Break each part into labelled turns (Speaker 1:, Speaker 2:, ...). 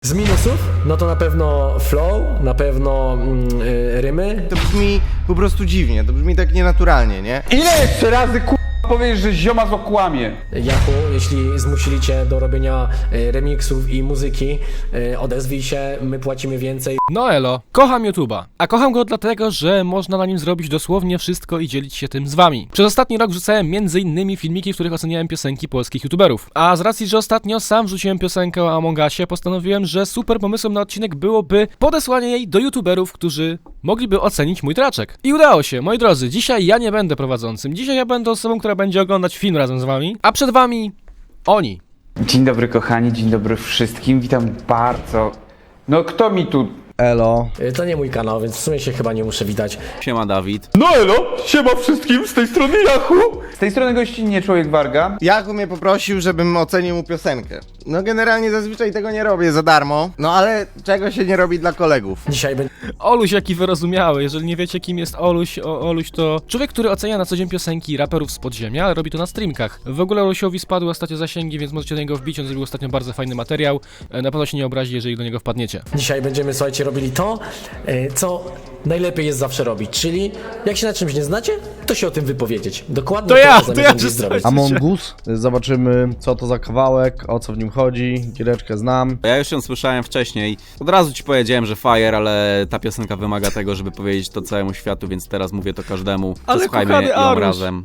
Speaker 1: Z minusów, no to na pewno flow, na pewno rymy.
Speaker 2: To brzmi po prostu dziwnie, to brzmi tak nienaturalnie, nie?
Speaker 3: Ile jeszcze razy powiesz, że zioma okłamie?
Speaker 1: Jachu, jeśli zmusili cię do robienia remixów i muzyki, odezwij się, my płacimy więcej.
Speaker 4: No elo, kocham YouTube'a, a kocham go dlatego, że można na nim zrobić dosłownie wszystko i dzielić się tym z wami. Przez ostatni rok wrzucałem m.in. filmiki, w których oceniałem piosenki polskich YouTuberów. A z racji, że ostatnio sam wrzuciłem piosenkę o Among Usie, postanowiłem, że super pomysłem na odcinek byłoby podesłanie jej do YouTuberów, którzy mogliby ocenić mój traczek. I udało się, moi drodzy, dzisiaj ja nie będę prowadzącym, dzisiaj ja będę osobą, która będzie oglądać film razem z wami, a przed wami oni.
Speaker 3: Dzień dobry kochani, dzień dobry wszystkim, witam bardzo. No kto mi tu...
Speaker 5: Elo.
Speaker 1: To nie mój kanał, więc w sumie się chyba nie muszę witać.
Speaker 6: Siema Dawid.
Speaker 3: No elo, siema wszystkim, z tej strony Jachu. Z tej strony gościnnie Człowiek Warga.
Speaker 2: Jachu mnie poprosił, żebym ocenił mu piosenkę. No generalnie zazwyczaj tego nie robię za darmo, no ale czego się nie robi dla kolegów.
Speaker 1: Dzisiaj będzie
Speaker 4: Oluś, jaki wyrozumiały. Jeżeli nie wiecie, kim jest Oluś, Oluś to człowiek, który ocenia na co dzień piosenki raperów z podziemia, ale robi to na streamkach. W ogóle Olusiowi spadły ostatnio zasięgi, więc możecie do niego wbić. On zrobił ostatnio bardzo fajny materiał. Na pewno się nie obrazi, jeżeli do niego wpadniecie.
Speaker 1: Dzisiaj będziemy, słuchajcie, robili to, co najlepiej jest zawsze robić, czyli jak się na czymś nie znacie, to się o tym wypowiedzieć. Dokładnie
Speaker 4: To ja
Speaker 1: zamierzam dziś
Speaker 4: się
Speaker 1: zrobić.
Speaker 5: Among Us. Zobaczymy, co to za kawałek, o co w nim chodzi. Giereczkę znam.
Speaker 6: Ja już ją słyszałem wcześniej. Od razu ci powiedziałem, że fire, ale ta piosenka wymaga tego, żeby powiedzieć to całemu światu, więc teraz mówię to każdemu.
Speaker 4: Ale
Speaker 6: Posłuchajmy
Speaker 4: kochany
Speaker 6: ją
Speaker 4: Aruś.
Speaker 6: razem.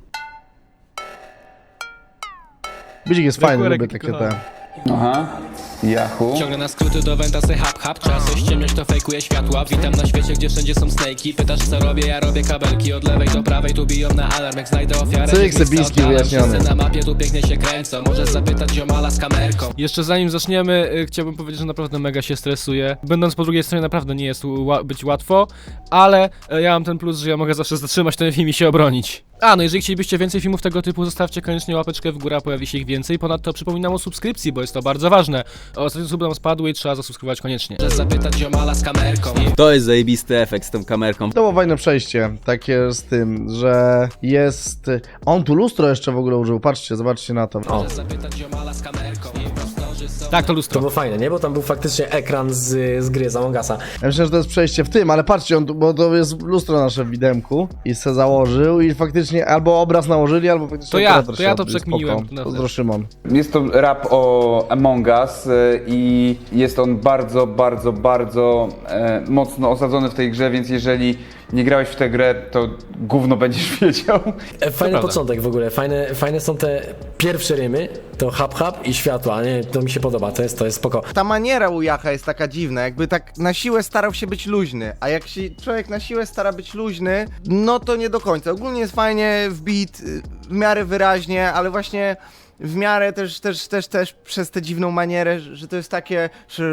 Speaker 5: Bicik jest fajny,
Speaker 4: Rekurek
Speaker 5: lubię takie
Speaker 4: kochany.
Speaker 5: te.
Speaker 3: Aha, Jachu.
Speaker 7: Ciągle na skróty do Ventasy hap. Czas coś ciemność to fejkuje światła. Witam na świecie, gdzie wszędzie są snakey. Pytasz co robię, ja robię kabelki od lewej do prawej. Tu biją na alarm, jak znajdę ofiarę.
Speaker 5: Cyk,
Speaker 7: niech miejsca
Speaker 5: Sebiński
Speaker 7: oddalam.
Speaker 5: wyjaśniony.
Speaker 7: Wszyscy na mapie tu pięknie się kręcą. Możesz zapytać ziomala z kamerką.
Speaker 4: Jeszcze zanim zaczniemy, chciałbym powiedzieć, że naprawdę mega się stresuję. Będąc po drugiej stronie naprawdę nie jest być łatwo, ale ja mam ten plus, że ja mogę zawsze zatrzymać ten film i się obronić. No jeżeli chcielibyście więcej filmów tego typu, zostawcie koniecznie łapeczkę w górę, a pojawi się ich więcej. Ponadto przypominam o subskrypcji, bo jest to bardzo ważne. Ostatnio sub nam spadły i trzeba zasubskrybować koniecznie.
Speaker 7: Możesz zapytać ziomala z kamerką.
Speaker 6: To jest zajebisty efekt z tą kamerką.
Speaker 5: To było fajne przejście, takie z tym, że jest... On tu lustro jeszcze w ogóle użył, patrzcie, zobaczcie na to. O.
Speaker 7: Możesz zapytać ziomala z kamerką. Impostorzy są...
Speaker 4: Tak, to
Speaker 1: To
Speaker 4: lustro.
Speaker 1: było fajne, nie? Bo tam był faktycznie ekran z gry, z Among Usa.
Speaker 5: Ja myślę, że to jest przejście w tym, ale patrzcie, on tu, bo to jest lustro nasze w widemku i se założył i faktycznie albo obraz nałożyli, albo faktycznie
Speaker 4: To ja,
Speaker 5: operator
Speaker 4: to ja
Speaker 5: się
Speaker 4: to
Speaker 5: odbył.
Speaker 4: przekminiłem.
Speaker 5: Spoko.
Speaker 4: No
Speaker 5: Pozdro Szymon.
Speaker 3: Jest to rap o Among Us i jest on bardzo, bardzo, bardzo mocno osadzony w tej grze, więc jeżeli nie grałeś w tę grę, to gówno będziesz wiedział.
Speaker 1: Fajny
Speaker 4: prawda.
Speaker 1: początek w ogóle, fajne są te pierwsze rymy, to hap i światła, nie? To mi się podoba, to jest spoko.
Speaker 2: Ta maniera u Jacha jest taka dziwna, jakby tak na siłę starał się być luźny, a jak się człowiek na siłę stara być luźny, no to nie do końca. Ogólnie jest fajnie wbit, w miarę wyraźnie, ale właśnie w miarę też przez tę dziwną manierę, że to jest takie...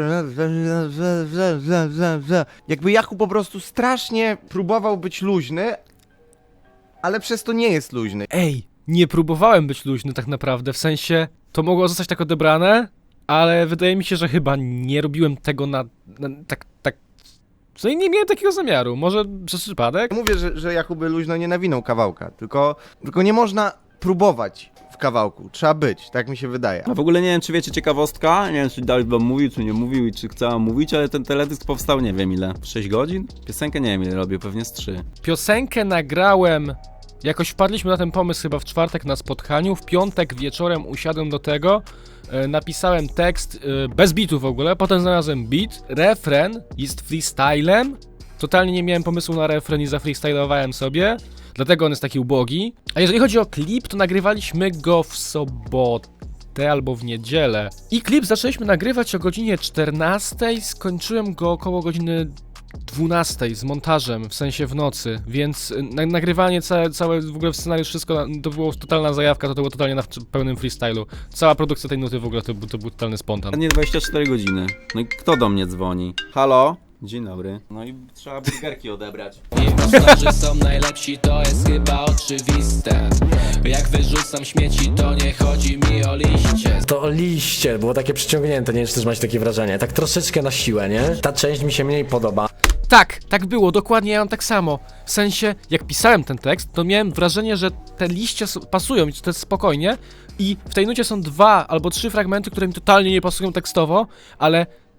Speaker 2: Jakby Jachu po prostu strasznie próbował być luźny, ale przez to nie jest luźny.
Speaker 4: Ej, nie próbowałem być luźny tak naprawdę, w sensie to mogło zostać tak odebrane, ale wydaje mi się, że chyba nie robiłem tego tak... W sensie nie miałem takiego zamiaru, może przez przypadek?
Speaker 2: Mówię, że Jachu luźno nie nawinął kawałka, tylko nie można próbować w kawałku, trzeba być, tak mi się wydaje.
Speaker 6: A w ogóle nie wiem, czy wiecie ciekawostka, nie wiem, czy Dawid wam mówił, czy nie mówił i czy chce mówić, ale ten teledysk powstał nie wiem ile, 6 godzin? Piosenkę nie wiem ile robił, pewnie z 3.
Speaker 4: Piosenkę nagrałem, jakoś wpadliśmy na ten pomysł chyba w czwartek na spotkaniu, w piątek wieczorem usiadłem do tego, napisałem tekst, bez bitu w ogóle, potem znalazłem beat, refren jest freestylem, totalnie nie miałem pomysłu na refren i zafreestylowałem sobie, dlatego on jest taki ubogi. A jeżeli chodzi o klip, to nagrywaliśmy go w sobotę albo w niedzielę. I klip zaczęliśmy nagrywać o godzinie 14, skończyłem go około godziny 12 z montażem, w sensie w nocy, więc nagrywanie całe w ogóle scenariusz, wszystko to było totalna zajawka, to było totalnie na pełnym freestylu. Cała produkcja tej nuty w ogóle to był totalny spontan.
Speaker 6: Nie 24 godziny. No i kto do mnie dzwoni? Halo? Dzień dobry. No i trzeba burgerki odebrać.
Speaker 7: Impostorzy są najlepsi, to jest chyba oczywiste. Jak wyrzucam śmieci, to nie chodzi mi o liście.
Speaker 1: To o liście, było takie przyciągnięte, nie wiem, czy też macie takie wrażenie, tak troszeczkę na siłę, nie? Ta część mi się mniej podoba.
Speaker 4: Tak było, dokładnie ja mam tak samo. W sensie, jak pisałem ten tekst, to miałem wrażenie, że te liście pasują i to jest spokojnie i w tej nucie są 2 albo 3 fragmenty, które mi totalnie nie pasują tekstowo, ale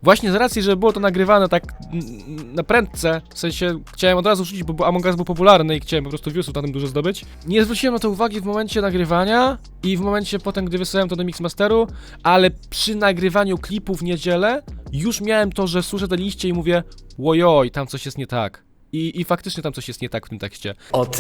Speaker 4: właśnie z racji, że było to nagrywane tak na prędce, w sensie chciałem od razu rzucić, bo Among Us był popularny i chciałem po prostu viewsów na tym dużo zdobyć. Nie zwróciłem na to uwagi w momencie nagrywania i w momencie potem, gdy wysłałem to do Mixmasteru, ale przy nagrywaniu klipu w niedzielę już miałem to, że słyszę te liście i mówię łojoj, tam coś jest nie tak. I faktycznie tam coś jest nie tak w tym tekście.
Speaker 1: Od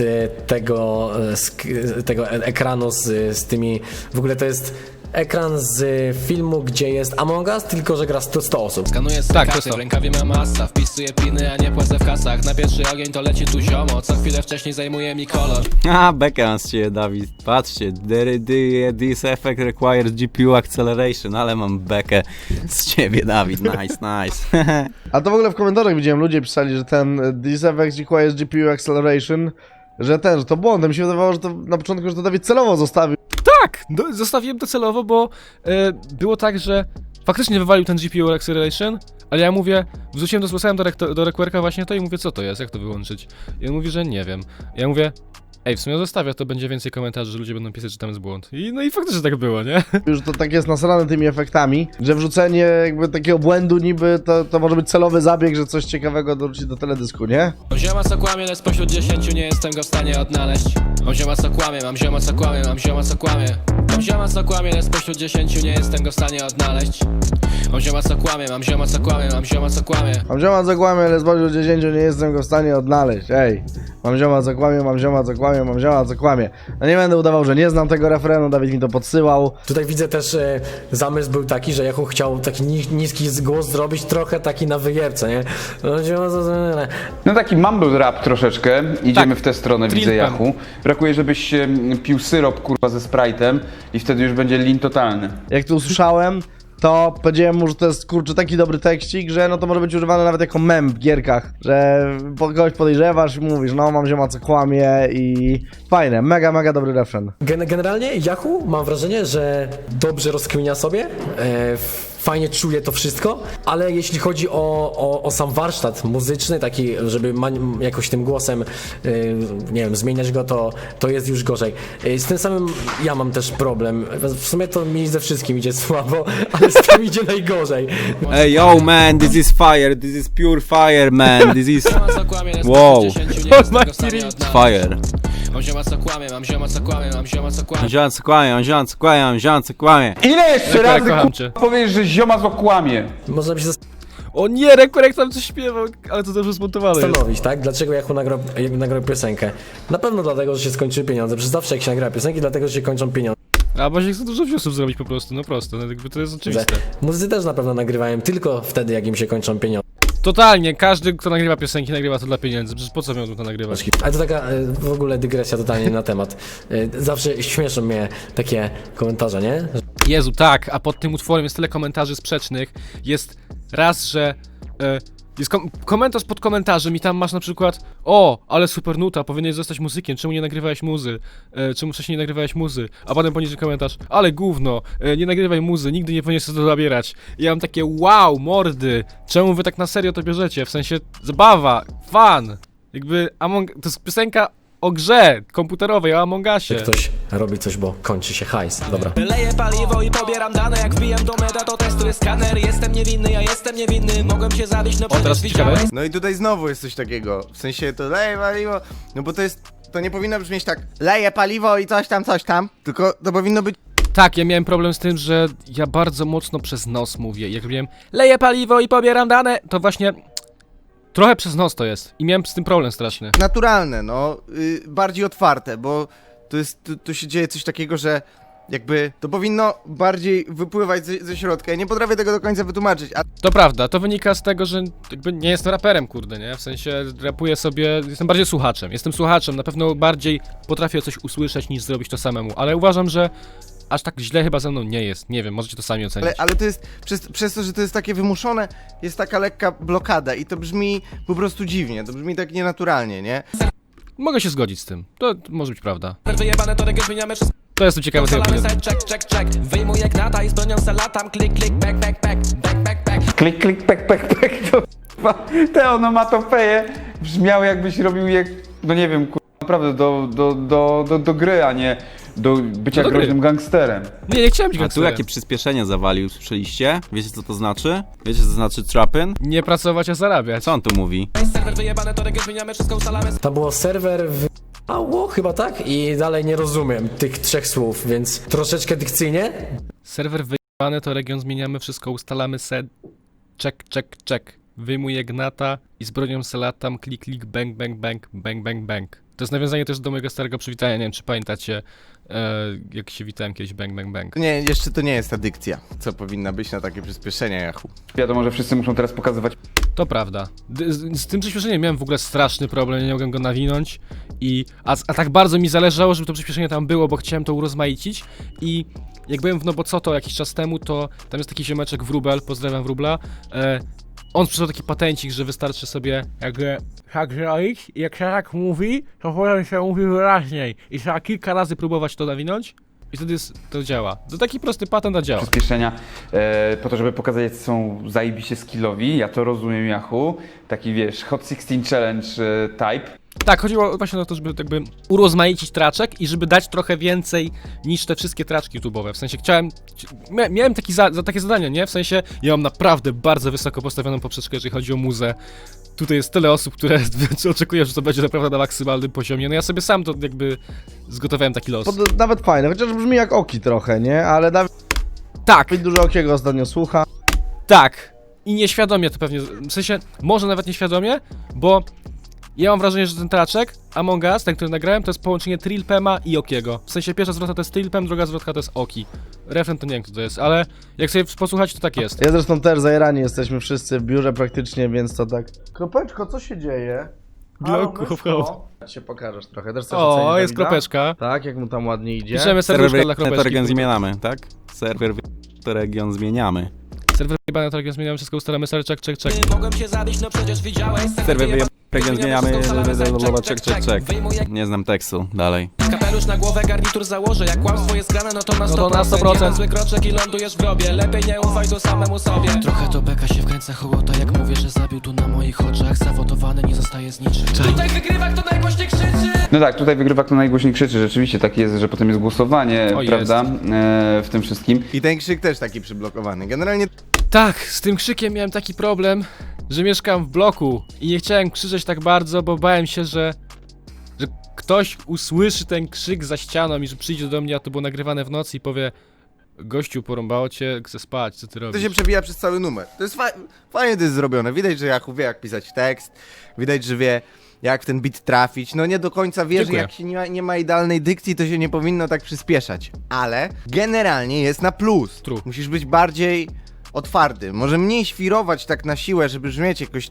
Speaker 1: tego ekranu z tymi... W ogóle to jest ekran z filmu, gdzie jest Among Us, tylko że gra 100 osób.
Speaker 7: Skanuję
Speaker 4: Tak, to
Speaker 7: kasy,
Speaker 4: to.
Speaker 7: w rękawie mam masa, wpisuję piny, a nie płacę w kasach. Na pierwszy ogień to leci tu ziomo, co chwilę wcześniej zajmuje mi kolor.
Speaker 6: A, bekę mam z ciebie, Dawid. Patrzcie, this effect requires GPU acceleration, ale mam bekę z ciebie, Dawid. Nice, nice.
Speaker 5: A to w ogóle w komentarzach widziałem, ludzie pisali, że ten This Effect requires GPU Acceleration, że to błąd. Mi się wydawało, że to na początku, że to Dawid celowo zostawił.
Speaker 4: Tak! Zostawiłem to celowo, bo było tak, że faktycznie wywalił ten GPU Acceleration, ale ja mówię, wrzuciłem to, zgłaszałem do Requerka właśnie to i mówię, co to jest, jak to wyłączyć? I on mówi, że nie wiem. Ja mówię, ej, w sumie zostawia, to będzie więcej komentarzy, że ludzie będą pisać, że tam jest błąd. No i faktycznie tak było, nie?
Speaker 5: Już to tak jest nasrane tymi efektami, że wrzucenie jakby takiego błędu niby to może być celowy zabieg, że coś ciekawego dorzuci do teledysku, nie?
Speaker 7: Mam zioma co kłamie, lecz spośród 10 nie jestem go w stanie odnaleźć. Mam zioma co kłamie, mam zioma co kłamie, mam zioma co kłamie. Mam zioma co kłamie, lecz spośród 10 nie jestem go w stanie odnaleźć. Mam zioma co kłamie, mam zioma co kłamie, mam zioma co kłamie.
Speaker 5: Mam zioma co kłamie, ale z spośród 10 nie jestem go w stanie odnaleźć, ej. Mam zioma co kłamie, mam zioma co kłamie, mam zioma co kłamie. No nie będę udawał, że nie znam tego refrenu, Dawid mi to podsyłał.
Speaker 1: Tutaj widzę też, zamysł był taki, że Yahoo chciał taki niski głos zrobić, trochę taki na wyjebce, nie?
Speaker 3: No taki mumble rap troszeczkę, idziemy w tę stronę, widzę
Speaker 4: Trillpem.
Speaker 3: Yahoo. Brakuje, żebyś pił syrop, kurwa, ze Sprite'em i wtedy już będzie lean totalny.
Speaker 5: Jak to usłyszałem, to powiedziałem mu, że to jest kurczę taki dobry tekstik, że no to może być używane nawet jako mem w gierkach, że kogoś podejrzewasz i mówisz, no mam zioma co kłamie i fajne, mega dobry refren.
Speaker 1: Generalnie Yahoo mam wrażenie, że dobrze rozkminia sobie, fajnie czuje to wszystko, ale jeśli chodzi o sam warsztat muzyczny, taki, żeby jakoś tym głosem, nie wiem, zmieniać go, to jest już gorzej. Z tym samym ja mam też problem. W sumie to mi ze wszystkim idzie słabo, ale z tym idzie najgorzej.
Speaker 6: Hey, yo, man, this is fire, this is pure fire, man, this is
Speaker 7: Zioma co kłamie, lecz
Speaker 6: Wow.
Speaker 7: spośród 10 nie jestem go w stanie odnaleźć.
Speaker 6: fire.
Speaker 7: Mam zioma co kłamie, mam zioma co kłamie, mam zioma co kłamie.
Speaker 6: Ziom co kłamie, ziom co kłamie, ziom co kłamie.
Speaker 3: Ile jeszcze
Speaker 4: Requerek,
Speaker 3: razy
Speaker 4: kocham
Speaker 3: kurwa,
Speaker 4: cię.
Speaker 3: powiesz, że zioma okłamie?
Speaker 1: Można by się
Speaker 4: O nie, Requerek tam coś śpiewał, ale to dobrze zmontowane jest.
Speaker 1: zastanowić, tak? Dlaczego Yahoo nagrał piosenkę? Na pewno dlatego, że się skończyły pieniądze. Przecież zawsze jak się nagra piosenki, dlatego, że się kończą pieniądze.
Speaker 4: A właśnie chcę dużo viewsów zrobić po prostu, no prosto, no jakby to jest oczywiste.
Speaker 1: Muzycy też na pewno nagrywają tylko wtedy, jak im się kończą pieniądze.
Speaker 4: Totalnie, każdy, kto nagrywa piosenki, nagrywa to dla pieniędzy, przecież po co miałbym to nagrywać?
Speaker 1: Ale to taka w ogóle dygresja totalnie na temat. Zawsze śmieszą mnie takie komentarze, nie?
Speaker 4: Jezu, tak, a pod tym utworem jest tyle komentarzy sprzecznych. Jest raz, że jest komentarz pod komentarzem i tam masz na przykład o, ale super nuta, powinieneś zostać muzykiem, czemu nie nagrywałeś muzy? Czemu wcześniej nie nagrywałeś muzy? A potem poniżej komentarz, ale gówno, nie nagrywaj muzy, nigdy nie powinieneś to zabierać. I ja mam takie wow, mordy, czemu wy tak na serio to bierzecie? W sensie zabawa, fan. Jakby to jest piosenka o grze komputerowej, o Among Usie.
Speaker 1: Ktoś robi coś, bo kończy się hajs. Dobra.
Speaker 7: Leję paliwo i pobieram dane, jak wbijam do meta, to testuję skaner. Jestem niewinny, ja jestem niewinny, mogłem się zabić, no
Speaker 4: teraz
Speaker 7: przecież
Speaker 4: ciekawe.
Speaker 7: widziałeś.
Speaker 2: No i tutaj znowu jest coś takiego, w sensie to leje paliwo, no bo to nie powinno brzmieć tak, leje paliwo i coś tam, tylko to powinno być
Speaker 4: Tak, ja miałem problem z tym, że ja bardzo mocno przez nos mówię. Jak robiłem leję paliwo i pobieram dane, to właśnie trochę przez nos to jest. I miałem z tym problem straszny.
Speaker 2: naturalne, no, bardziej otwarte, bo to się dzieje coś takiego, że jakby to powinno bardziej wypływać ze środka. Ja nie potrafię tego do końca wytłumaczyć, a
Speaker 4: To prawda, to wynika z tego, że jakby nie jestem raperem, kurde, nie? W sensie rapuję sobie, jestem bardziej słuchaczem. Jestem słuchaczem, na pewno bardziej potrafię coś usłyszeć niż zrobić to samemu, ale uważam, że aż tak źle chyba ze mną nie jest. Nie wiem, możecie to sami ocenić.
Speaker 2: ale to jest, przez to, że to jest takie wymuszone, jest taka lekka blokada i to brzmi po prostu dziwnie, to brzmi tak nienaturalnie, nie?
Speaker 4: Mogę się zgodzić z tym. To może być prawda.
Speaker 7: Wyjebane to reggae, zmieniamy wszystko.
Speaker 4: To jestem ciekawy tej
Speaker 7: Salamy
Speaker 4: opinii.
Speaker 7: side, check. Wyjmuję gnata i z bronią se latam. Klik, back.
Speaker 3: Klik, pek, to kurwa, te onomatopeje brzmiały jakbyś robił je, no nie wiem, kurwa, naprawdę do gry, a nie do bycia
Speaker 4: No to
Speaker 3: groźnym gangsterem.
Speaker 4: Nie chciałem być
Speaker 6: A tu
Speaker 4: gangsterem.
Speaker 6: jakie przyspieszenie zawalił, słyszeliście? Wiecie co to znaczy? Wiecie co to znaczy trapping?
Speaker 4: Nie pracować, a zarabiać.
Speaker 6: Co on tu mówi?
Speaker 7: Serwer wyjebane, to region zmieniamy, wszystko ustalamy.
Speaker 1: Tam było serwer Ało, chyba tak? I dalej nie rozumiem tych 3 słów, więc troszeczkę dykcyjnie.
Speaker 4: Serwer wyjebany, to region zmieniamy, wszystko ustalamy, check. Wyjmuję gnata i z bronią se latam, klik, bang, bang. To jest nawiązanie też do mojego starego przywitania, nie wiem czy pamiętacie, jak się witałem kiedyś, bang.
Speaker 2: Nie, jeszcze to nie jest ta dykcja, co powinna być na takie przyspieszenia, Yahoo.
Speaker 3: Wiadomo, że wszyscy muszą teraz pokazywać
Speaker 4: To prawda. Z tym przyspieszeniem miałem w ogóle straszny problem, nie mogłem go nawinąć a tak bardzo mi zależało, żeby to przyspieszenie tam było, bo chciałem to urozmaicić i jak byłem w No Bo Co To jakiś czas temu, to tam jest taki ziomeczek Wróbel, pozdrawiam Wróbla, on sprzedał taki patencik, że wystarczy sobie jakby tak zrobić i jak się tak mówi, to potem się mówi wyraźniej i trzeba kilka razy próbować to nawinąć i wtedy to działa. To taki prosty patent, a działa.
Speaker 3: przyspieszenia po to, żeby pokazać, jak są zajebiście skillowi. Ja to rozumiem, Yahoo. Taki, wiesz, Hot 16 Challenge type.
Speaker 4: Tak, chodziło właśnie o to, żeby jakby urozmaicić traczek i żeby dać trochę więcej niż te wszystkie traczki YouTube'owe. W sensie miałem takie zadanie, nie? W sensie ja mam naprawdę bardzo wysoko postawioną poprzeczkę, jeżeli chodzi o muzę. Tutaj jest tyle osób, które oczekują, że to będzie naprawdę na maksymalnym poziomie. No ja sobie sam to jakby zgotowałem taki los.
Speaker 5: Nawet fajne, chociaż brzmi jak Oki trochę, nie? Ale Dawid
Speaker 4: Tak,
Speaker 5: dużo Okiego ostatnio słucha.
Speaker 4: tak. I nieświadomie to pewnie, w sensie może nawet nieświadomie, bo ja mam wrażenie, że ten traczek, Among Us, ten, który nagrałem, to jest połączenie Trilpema i Okiego. W sensie pierwsza zwrotka to jest Trilpem, druga zwrotka to jest Oki. Refren to nie wiem, kto to jest, ale jak sobie posłuchać, to tak jest.
Speaker 5: Ja zresztą też zajerani jesteśmy wszyscy w biurze praktycznie, więc to tak... Kropeczko, co się dzieje?
Speaker 4: Gloku,
Speaker 5: Ja się pokażesz trochę, też chcesz
Speaker 4: O,
Speaker 5: ocenić
Speaker 4: jest
Speaker 5: Dawida?
Speaker 4: kropeczka.
Speaker 5: Tak, jak mu tam ładnie idzie.
Speaker 4: Piszemy serduszko dla
Speaker 6: to
Speaker 4: kropeczki.
Speaker 6: region zmieniamy, tak? Serwer to region zmieniamy.
Speaker 4: Serwer wyjebany, to region zmieniamy, wszystko ustalamy, serwer check.
Speaker 7: Mogłem się zabić, no przecież widziałeś.
Speaker 6: Serwer region zmieniamy, check.
Speaker 7: Wyjmuję
Speaker 6: Nie znam tekstu, dalej.
Speaker 7: kapelusz na głowę, garnitur założę. Jak kłamstwo jest grane, no to na 100%.
Speaker 4: No to na 100%.
Speaker 7: Jeden zły kroczek i lądujesz w grobie. Lepiej nie ufaj tu samemu sobie. Trochę to beka się wkręca hołota, jak mówię, że zabił tu na moich oczach. Zawodowany nie zostaje z niczym. Tutaj wygrywa, kto najgłośniej krzyczy.
Speaker 3: No tak, tutaj wygrywa, kto najgłośniej krzyczy. Rzeczywiście tak jest, że potem jest głosowanie,
Speaker 4: O,
Speaker 3: prawda? W tym wszystkim.
Speaker 2: I ten krzyk też taki przyblokowany. Generalnie
Speaker 4: Tak, z tym krzykiem miałem taki problem, że mieszkam w bloku i nie chciałem krzyczeć tak bardzo, bo bałem się, że ktoś usłyszy ten krzyk za ścianą i że przyjdzie do mnie, a to było nagrywane w nocy i powie: gościu, porąbało cię, chcę spać, co ty
Speaker 2: to
Speaker 4: robisz?
Speaker 2: się przebija przez cały numer. To jest fajnie to jest zrobione. Widać, że Yahoo wie, jak pisać tekst. Widać, że wie, jak w ten beat trafić. No nie do końca wie, że
Speaker 4: Dziękuję.
Speaker 2: jak się nie ma idealnej dykcji, to się nie powinno tak przyspieszać. Ale generalnie jest na plus.
Speaker 4: True.
Speaker 2: Musisz być bardziej otwarty. Może mniej świrować tak na siłę, żeby brzmieć jakoś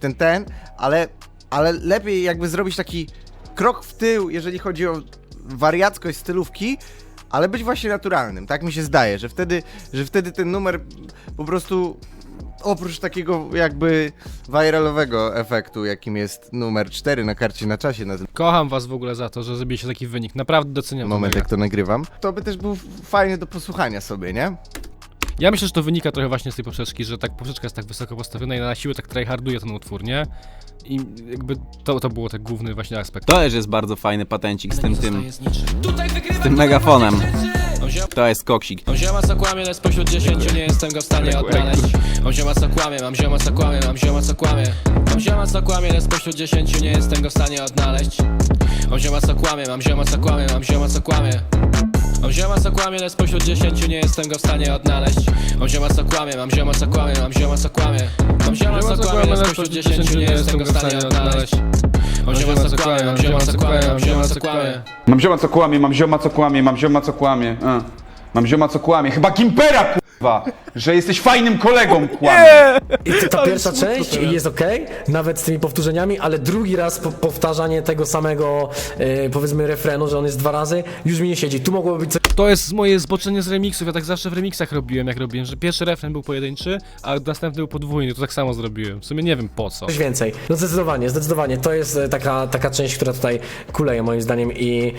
Speaker 2: ale lepiej jakby zrobić taki krok w tył, jeżeli chodzi o wariackość stylówki, ale być właśnie naturalnym. Tak mi się zdaje, że wtedy ten numer po prostu oprócz takiego jakby viralowego efektu, jakim jest numer 4 na karcie na czasie na ten
Speaker 4: Kocham was w ogóle za to, że zrobiliście taki wynik, naprawdę doceniam to
Speaker 2: moment,
Speaker 4: mega.
Speaker 2: jak to nagrywam, to by też był fajny do posłuchania sobie, nie?
Speaker 4: Ja myślę, że to wynika trochę właśnie z tej poprzeczki, że tak poprzeczka jest tak wysoko postawiona i na siłę tak tryharduje ten utwór, nie? I jakby to było ten główny właśnie aspekt.
Speaker 6: To też jest bardzo fajny patencik z tym
Speaker 7: Tutaj wygrywa,
Speaker 6: tym
Speaker 7: kto
Speaker 6: megafonem.
Speaker 7: najgłośniej krzyczy.
Speaker 6: To jest koksik.
Speaker 7: Mam zioma co kłamie, lecz spośród 10 nie jestem go w stanie odnaleźć. Mam zioma co kłamie, mam zioma co kłamie, mam zioma co kłamie. Mam zioma co kłamie, lecz spośród 10 nie jestem go w stanie odnaleźć. Mam zioma co kłamie, mam zioma co kłamie, mam zioma co kłamie. Mam zioma co kłamie, lecz spośród 10 nie jestem go w stanie odnaleźć. Mam zioma co kłamie, mam zioma co kłamie, mam zioma co kłamie. Mam zioma co kłamie, lecz spośród 10 nie jestem go w stanie odnaleźć. Mam zioma co kłamie, mam zioma co kłamie, mam zioma co kłamie.
Speaker 3: Mam zioma co kłamie, mam zioma co kłamie, mam zioma co kłamie. Mam zioma co kłamie. Chyba Gimpera, kurwa! Że jesteś fajnym kolegą, kłamie.
Speaker 1: I ta pierwsza część jest okej, nawet z tymi powtórzeniami, ale drugi raz powtarzanie tego samego, powiedzmy, refrenu, że on jest 2 razy, już mi nie siedzi. Tu mogłoby być
Speaker 4: To jest moje zboczenie z remixów, ja tak zawsze w remixach robiłem, że pierwszy refren był pojedynczy, a następny był podwójny, to tak samo zrobiłem. W sumie nie wiem po co.
Speaker 1: coś więcej. No zdecydowanie. To jest taka część, która tutaj kuleje moim zdaniem i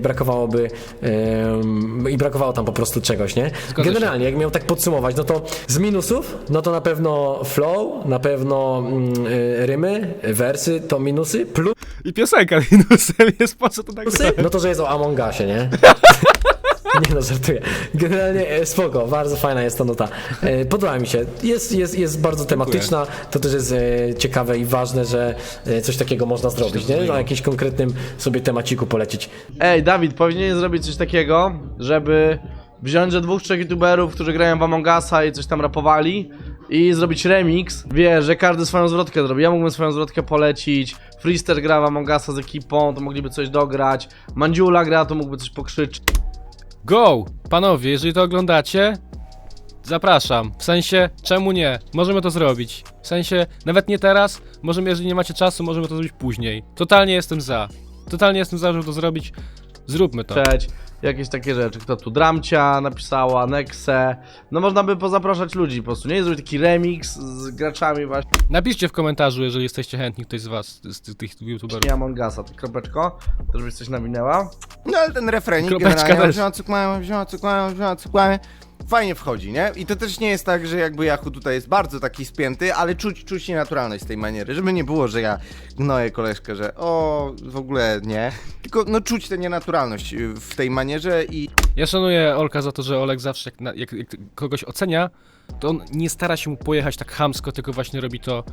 Speaker 1: brakowało tam po prostu czegoś, nie?
Speaker 4: Zgadza się.
Speaker 1: Generalnie, jak miał tak podsumować, no to z minusów, no to na pewno flow, na pewno rymy, wersy to minusy,
Speaker 4: I piosenka minusem jest, po co to tak
Speaker 1: plusy, no to, że jest o Among Usie, nie? Nie no, żartuję. Generalnie spoko, bardzo fajna jest ta nuta. Podoba mi się. Jest bardzo tematyczna. To też jest ciekawe i ważne, że coś takiego można zrobić, nie? Na jakimś konkretnym sobie temaciku polecić.
Speaker 5: Ej, Dawid, powinien zrobić coś takiego, żeby wziąć ze 2-3 youtuberów, którzy grają w Among Usa i coś tam rapowali i zrobić remix. Wiesz, że każdy swoją zwrotkę zrobi. Ja mógłbym swoją zwrotkę polecić. Freester gra w Among Usa z ekipą, to mogliby coś dograć. Mandziula gra, to mógłby coś pokrzyczeć.
Speaker 4: Go! Panowie, jeżeli to oglądacie, zapraszam. W sensie, czemu nie? Możemy to zrobić. W sensie, nawet nie teraz, możemy, jeżeli nie macie czasu, możemy to zrobić później. Totalnie jestem za. Totalnie jestem za, żeby to zrobić. Zróbmy to.
Speaker 5: Jakieś takie rzeczy. Kto tu? Dramcia napisała, Nexe. No można by pozapraszać ludzi po prostu, nie? Zrobić taki remix z graczami właśnie
Speaker 4: Napiszcie w komentarzu, jeżeli jesteście chętni, ktoś z was, z tych youtuberów.
Speaker 5: Among Usa. Ty kropeczko, to żebyś coś nawinęła.
Speaker 2: No ale ten refrenik
Speaker 4: Kropeczka
Speaker 2: generalnie
Speaker 4: też.
Speaker 2: wzięła cukłamy, fajnie wchodzi, nie? I to też nie jest tak, że jakby Yahoo tutaj jest bardzo taki spięty, ale czuć nienaturalność z tej maniery, żeby nie było, że ja gnoję koleżkę, że o, w ogóle nie, tylko no czuć tę nienaturalność w tej manierze i
Speaker 4: Ja szanuję Olka za to, że Olek zawsze jak kogoś ocenia, to on nie stara się mu pojechać tak chamsko, tylko właśnie robi to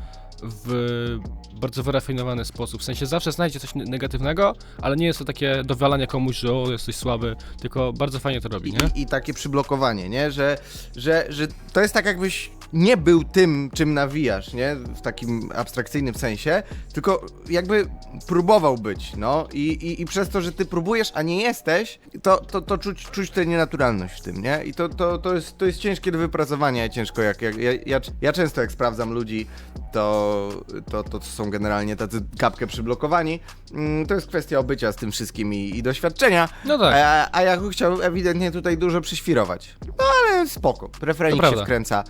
Speaker 4: w bardzo wyrafinowany sposób. W sensie zawsze znajdzie coś negatywnego, ale nie jest to takie dowalanie komuś, że o, jesteś słaby, tylko bardzo fajnie to robi, nie?
Speaker 2: i takie przyblokowanie, nie? Że to jest tak jakbyś nie był tym, czym nawijasz, nie? W takim abstrakcyjnym sensie, tylko jakby próbował być, no i przez to, że ty próbujesz, a nie jesteś, to czuć tę nienaturalność w tym, nie? I to jest ciężkie do wypracowania, ciężko ja często jak sprawdzam ludzi, to są generalnie tacy kapkę przyblokowani, to jest kwestia obycia z tym wszystkim i doświadczenia,
Speaker 4: No tak.
Speaker 2: a ja chciał ewidentnie tutaj dużo przyświrować. No ale spoko, referenik
Speaker 4: To
Speaker 2: się
Speaker 4: prawda.
Speaker 2: wkręca.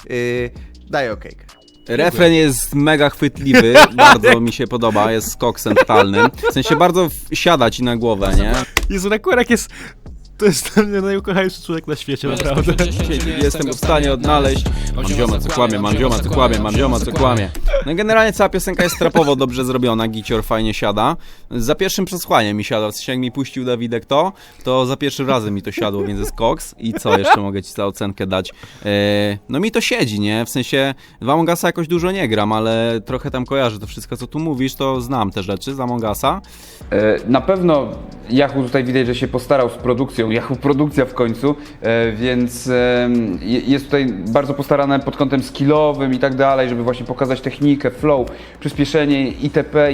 Speaker 2: Daję okejkę.
Speaker 6: Refren jest mega chwytliwy, bardzo mi się podoba, jest skoksem totalnym. W sensie bardzo siada ci na głowę, nie?
Speaker 4: Jezu, Rekurek jest... To jest dla mnie najukochańszy człowiek na świecie, naprawdę.
Speaker 6: Jestem w stanie odnaleźć. Mam zioma co kłamie, mam zioma co kłamie, mam zioma co kłamie. No i generalnie cała piosenka jest trapowo dobrze zrobiona, gicior fajnie siada. Za pierwszym przesłaniem mi siada, w sensie jak mi puścił Dawidek to za pierwszym razem mi to siadło, więc jest koks. I co jeszcze mogę ci za ocenkę dać? No mi to siedzi, nie? W sensie w Among Usa jakoś dużo nie gram, ale trochę tam kojarzę to wszystko, co tu mówisz, to znam te rzeczy z Among Usa.
Speaker 3: Na pewno Yahoo tutaj widać, że się postarał z produkcją, Yahoo produkcja w końcu, więc jest tutaj bardzo postarane pod kątem skillowym i tak dalej, żeby właśnie pokazać technikę, flow, przyspieszenie itp.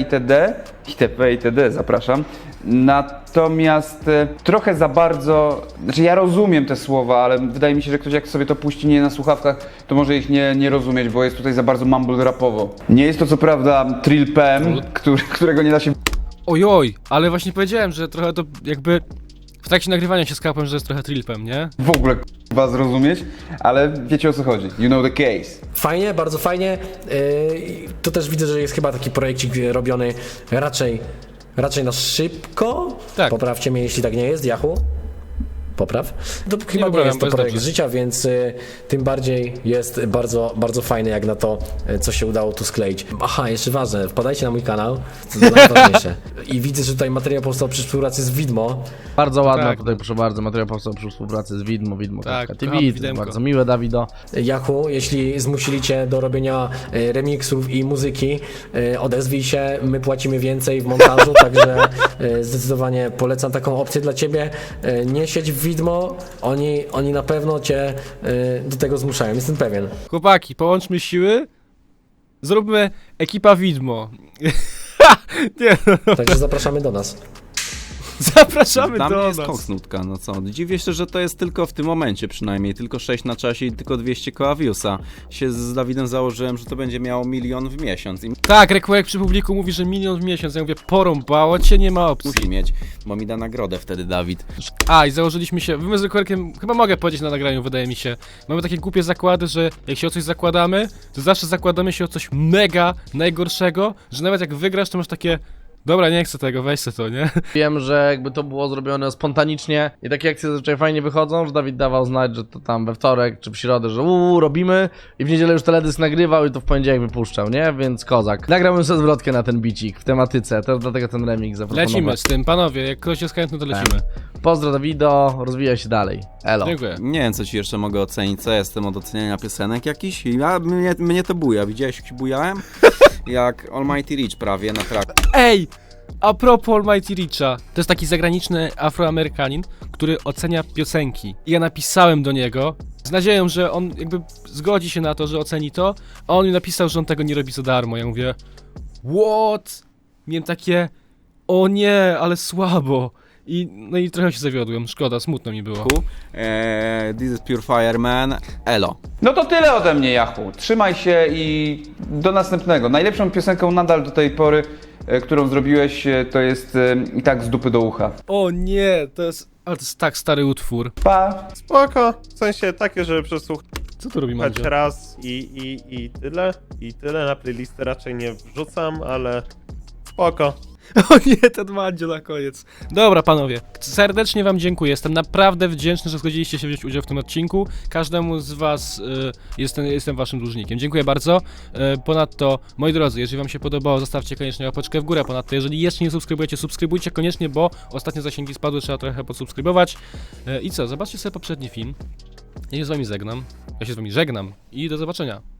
Speaker 3: itd. Zapraszam. Natomiast trochę za bardzo, znaczy ja rozumiem te słowa, ale wydaje mi się, że ktoś jak sobie to puści nie na słuchawkach, to może ich nie rozumieć, bo jest tutaj za bardzo mumble rapowo. Nie jest to co prawda Trill PM, którego nie da się
Speaker 4: Ojoj, ale właśnie powiedziałem, że trochę to jakby... W trakcie nagrywania się skapłem, że jest trochę trillpem, nie?
Speaker 3: w ogóle zrozumieć, ale wiecie o co chodzi. You know the case.
Speaker 1: Fajnie, bardzo fajnie. To też widzę, że jest chyba taki projekcik robiony raczej na szybko.
Speaker 4: Tak.
Speaker 1: Poprawcie mnie, jeśli tak nie jest, Yahoo. Popraw. To chyba nie
Speaker 4: poprawiam,
Speaker 1: jest to
Speaker 4: bo jest
Speaker 1: projekt
Speaker 4: dobrze.
Speaker 1: życia, więc tym bardziej jest bardzo, bardzo fajny jak na to, co się udało tu skleić. Aha, jeszcze ważne, wpadajcie na mój kanał, to najważniejsze. I widzę, że tutaj materiał powstał przy współpracy z Widmo.
Speaker 5: Bardzo ładna
Speaker 4: Tak.
Speaker 5: tutaj, proszę bardzo, materiał powstał przy współpracy z Widmo,
Speaker 4: Tak,
Speaker 5: TV,
Speaker 4: kocham
Speaker 5: to jest
Speaker 4: Widemko.
Speaker 5: bardzo miłe, Dawido.
Speaker 1: Yahoo, jeśli zmusili cię do robienia remiksów i muzyki, odezwij się, my płacimy więcej w montażu, także zdecydowanie polecam taką opcję dla ciebie. Nie siedź w Widmo, oni na pewno cię do tego zmuszają, jestem pewien.
Speaker 4: Chłopaki, połączmy siły, zróbmy ekipa Widmo. Nie, no,
Speaker 1: Także zapraszamy do nas.
Speaker 4: zapraszamy
Speaker 6: Dla mnie
Speaker 4: do
Speaker 6: jest
Speaker 4: nas.
Speaker 6: koks nutka, no co? Dziwię się, że to jest tylko w tym momencie przynajmniej, tylko 6 na czasie i tylko 200 koła viewsa. Się z Dawidem założyłem, że to będzie miało 1 000 000 w miesiąc i
Speaker 4: Tak, Rekurek przy publiku mówi, że 1 000 000 w miesiąc. Ja mówię, porąbało cię, nie ma opcji.
Speaker 6: musi mieć, bo mi da nagrodę wtedy Dawid.
Speaker 4: A, i założyliśmy się, my z Rekurkiem, chyba mogę powiedzieć na nagraniu, wydaje mi się. Mamy takie głupie zakłady, że jak się o coś zakładamy, to zawsze zakładamy się o coś mega najgorszego, że nawet jak wygrasz, to masz takie... Dobra, nie chcę tego, weź se to, nie?
Speaker 5: Wiem, że jakby to było zrobione spontanicznie i takie akcje zazwyczaj fajnie wychodzą, że Dawid dawał znać, że to tam we wtorek czy w środę, że robimy i w niedzielę już teledysk nagrywał i to w poniedziałek wypuszczał, nie? Więc kozak. Nagrałbym sobie zwrotkę na ten bicik w tematyce, to dlatego ten remix zaproponowałem.
Speaker 4: Lecimy z tym, panowie, jak ktoś jest chętny, to lecimy.
Speaker 5: Pozdro Dawido, rozwijaj się dalej. Elo.
Speaker 4: Dziękuję.
Speaker 6: Nie wiem, co ci jeszcze mogę ocenić, co jestem od oceniania piosenek jakiś? Mnie to buja, widziałeś jak się bujałem? Jak Almighty Rich prawie na traku.
Speaker 4: Ej! A propos Almighty Richa, to jest taki zagraniczny Afroamerykanin, który ocenia piosenki. I ja napisałem do niego z nadzieją, że on jakby zgodzi się na to, że oceni to, a on mi napisał, że on tego nie robi za darmo. Ja mówię, what? Miałem takie, o nie, ale słabo. No i trochę się zawiodłem, szkoda, smutno mi było.
Speaker 6: This is Pure Fire Man, elo.
Speaker 3: No to tyle ode mnie, Yahoo. Trzymaj się i do następnego. Najlepszą piosenką nadal do tej pory, którą zrobiłeś, to jest i tak z dupy do ucha.
Speaker 4: O nie, ale to jest tak stary utwór.
Speaker 3: Pa!
Speaker 8: Spoko, w sensie takie, żeby przesłuchać
Speaker 4: Co tu robi Mandzio?
Speaker 8: raz i tyle. I tyle, na playlistę raczej nie wrzucam, ale spoko.
Speaker 4: O nie, ten Mandzio na koniec. Dobra, panowie, serdecznie wam dziękuję. Jestem naprawdę wdzięczny, że zgodziliście się wziąć udział w tym odcinku. Każdemu z was jestem waszym dłużnikiem. Dziękuję bardzo. Ponadto, moi drodzy, jeżeli wam się podobało, zostawcie koniecznie łapeczkę w górę. Ponadto, jeżeli jeszcze nie subskrybujecie, subskrybujcie koniecznie, bo ostatnio zasięgi spadły, trzeba trochę podsubskrybować. I co, zobaczcie sobie poprzedni film. Ja się z wami żegnam i do zobaczenia.